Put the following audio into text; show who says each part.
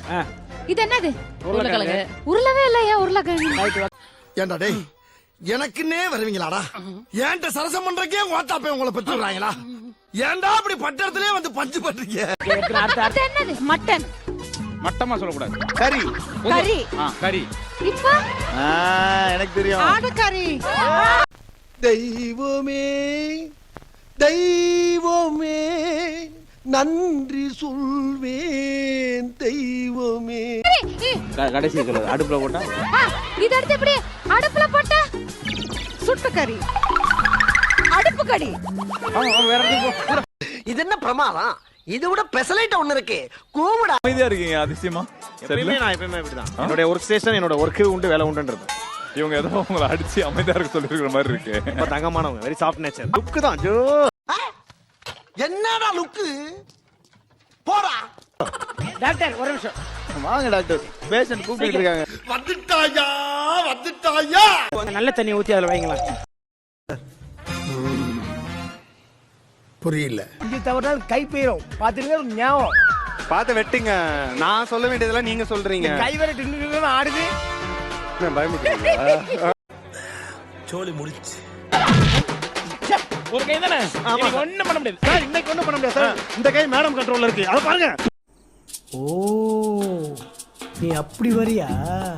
Speaker 1: இது என்னது? உருளைக்கிழங்கு. உருளவே இல்லையா உருளைக்கிழங்கு?
Speaker 2: ஏண்டா டேய், எனக்குன்னே வருவீங்களாடா? ஏன்ட்ட சரசம் பண்றக்கே ஓட்டாப்பே உங்களை பெற்றுறாங்களா? ஏன்டா அப்படி பட்டறதுலயே வந்து பஞ்சு பண்றீங்க?
Speaker 1: இது என்னது? மட்டன்.
Speaker 3: மட்டமா சொல்லக்கூடாது.
Speaker 4: கறி.
Speaker 1: கறி.
Speaker 3: கறி.
Speaker 1: இப்ப
Speaker 4: எனக்கு தெரியும்.
Speaker 1: ஆடு கறி.
Speaker 2: தெய்வமே தெய்வமே நன்றி சொல்வேன் தெய்வமே.
Speaker 4: கடைசி சொல்லுது அடுப்புல போட்டா.
Speaker 1: இது அடுத்து எப்படி அடுப்புல போட்ட? சுட்டு கறி. அடுப்பு கறி.
Speaker 4: வேற
Speaker 2: இது என்ன பிரமாதம்? இது விட பெசலைட் ஒண்ணு இருக்கு. கூவுடா.
Speaker 3: அமைதியா இருக்கீங்க அதிசயமா.
Speaker 4: நான் எப்பவுமே இப்படிதான். என்னோட ஒர்க் ஸ்டேஷன் என்னோட ஒர்க் உண்டு வேலை உண்டுன்றது.
Speaker 3: இவங்க ஏதோ உங்களை அடிச்சு அமைதியா இருக்க சொல்லிருக்கிற மாதிரி இருக்கு.
Speaker 4: ரொம்ப தங்கமானவங்க, வெரி சாஃப்ட் நேச்சர். லுக் தான் ஜோ.
Speaker 2: என்னடா லுக்கு? போடா.
Speaker 4: டாக்டர் ஒரு நிமிஷம் வாங்க டாக்டர். பேஷண்ட் கூப்பிட்டு இருக்காங்க.
Speaker 2: வந்துட்டாயா.
Speaker 4: நல்ல தண்ணி ஊத்தி அதுல வைங்களா.
Speaker 2: புரியல.
Speaker 5: இங்க தவறால் கை போயிரும். பாத்துருங்க ஞாபகம்.
Speaker 4: பார்த்து வெட்டுங்க. நான் சொல்ல வேண்டியதெல்லாம் நீங்க சொல்றீங்க.
Speaker 5: கை வேற டின்னு ஆடுது.
Speaker 4: பயமுறுத்துறீங்களா?
Speaker 2: சோலி முடிச்சு.
Speaker 5: ஒரு கை தானே. ஒண்ணும் பண்ண முடியாது
Speaker 4: சார். இன்னைக்கு ஒண்ணும் பண்ண முடியாது சார். இந்த கை மேடம் கண்ட்ரோல்ல இருக்கு. அத பாருங்க.
Speaker 5: ஓ நீ அப்படி வரியா?